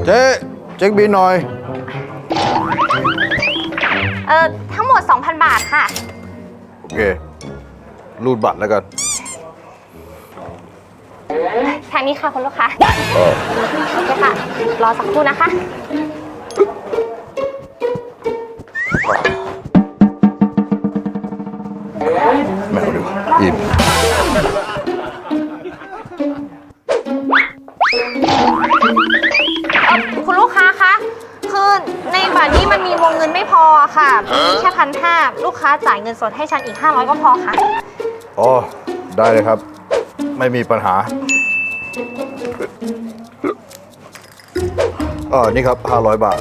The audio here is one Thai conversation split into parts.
เจ๊เช็คบิลหน่อยทั้งหมด 2,000 บาทค่ะโอเครูดบัตรแล้วกันทางนี้ค่ะคุณลูกค้าโอเคค่ะรอสักครู่นะคะแมวดีกว่าอิ่มคุณลูกค้าคะคือในบัตรนี้มันมีวงเงินไม่พอค่ะมีแค่1,500ลูกค้าจ่ายเงินสดให้ฉันอีก500ก็พอค่ะอ๋อได้เลยครับไม่มีปัญหานี่ครับ500 บาท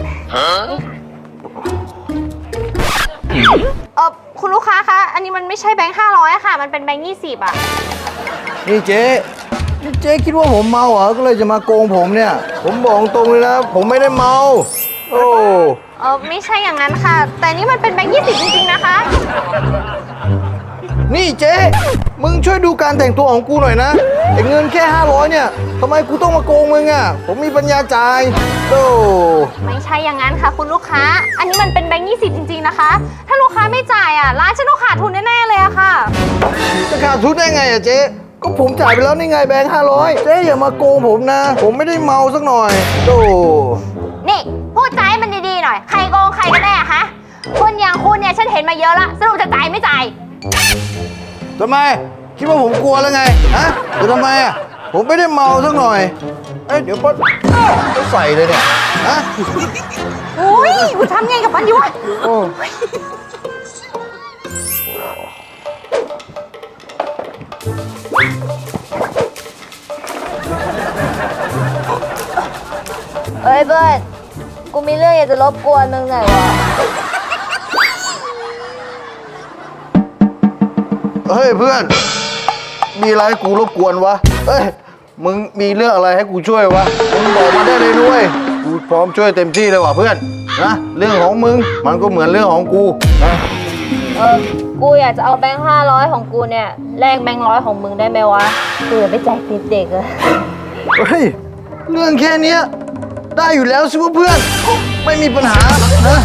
คุณลูกค้าคะอันนี้มันไม่ใช่แบงค์500ค่ะมันเป็นแบงค์20อ่ะนี่เจ๊คิดว่าผมเมาเหรอก็เลยจะมาโกงผมเนี่ยผมบอกตรงเลยนะผมไม่ได้เมาโอ้ไม่ใช่อย่างนั้นค่ะแต่นี่มันเป็นแบงค์20จริงๆนะคะนี่เจ๊มึงช่วยดูการแต่งตัวของกูหน่อยนะไอ้เงินแค่500เนี่ยทำไมกูต้องมาโกงมึงอ่ะผมมีปัญญาจ่ายโอ้ไม่ใช่อย่างนั้นค่ะคุณลูกค้าอันนี้มันเป็นแบงค์20จริงๆนะคะถ้าลูกค้าไม่จ่ายอ่ะร้านฉันต้องขาดทุนแน่ๆเลยอะค่ะจะขาดทุนได้ไงอ่ะเจ๊ก็ผมจ่ายไปแล้วนี่ไงแบงค์500เจ๊อย่ามาโกงผมนะผมไม่ได้เมาสักหน่อยโอ้นี่พูดใจาให้มันดีๆหน่อยใครโกงใครกันแน่ฮะคนอย่างคุณเนี่ยฉันเห็นมาเยอะละสรุปจะจ่ายไม่จ่ายทำไมคิดว่าผมกลัวแล้วไงฮะจะทำไมอ่ะผมไม่ได้เมาสักหน่อยเดี๋ยวก็ใส่เลยเนี่ยฮะโอ้ยกูทำไงกับมันอยู่วะเอ้ยเบิร์ดกูมีเรื่องอยากจะรบกวนมึงหน่อยวะเฮ้ยเพื่อนมีอะไรให้กูรบกวนวะเอ้ยมึงมีเรื่องอะไรให้กูช่วยวะมึงบอกมาได้เลยด้วยกูพร้อมช่วยเต็มที่เลยว่ะเพื่อนนะเรื่องของมึงมันก็เหมือนเรื่องของกูนะกูอยากจะเอาแบงค์500ของกูเนี่ยแลกแบงค์100ของมึงได้ไหมวะกูอยากไปแจกติดเด็กอะเฮ้ยเรื่องแค่นี้ได้อยู่แล้วสิเพื่อนไม่มีปัญหานะ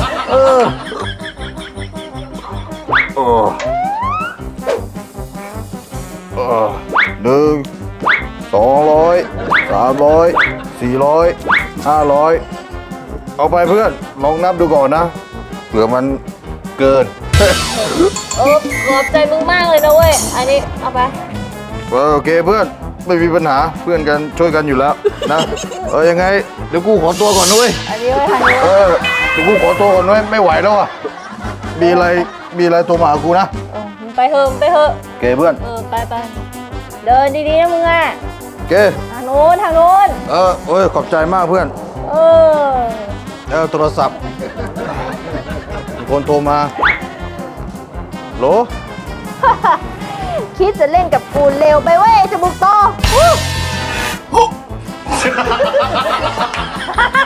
1 200 300 400 500เอาไปเพื่อนลองนับดูก่อนนะเผื่อมันเกินขอบใจมึงมากเลยนะเว้ยอันนี้เอาไปโอเคเพื่อนไม่มีปัญหาเพื่อนกันช่วยกันอยู่แล้วนะยังไงเดี๋ยวกูขอตัวก่อนด้วยอันนี้ไว้ทางนี้เดี๋ยวกูขอตัวก่อนด้วยไม่ไหวแล้วอ่ะมีอะไรโทรมาหากูนะไปเถอะโอเคเพื่อนไปเดินดีๆนะมึงอ่ะโอเคทางโน้นขอบใจมากเพื่อนโทรศัพท์มีคนโทรมาโหลคิดจะเล่นกับกูเร็วไปเว้ยจมูกโต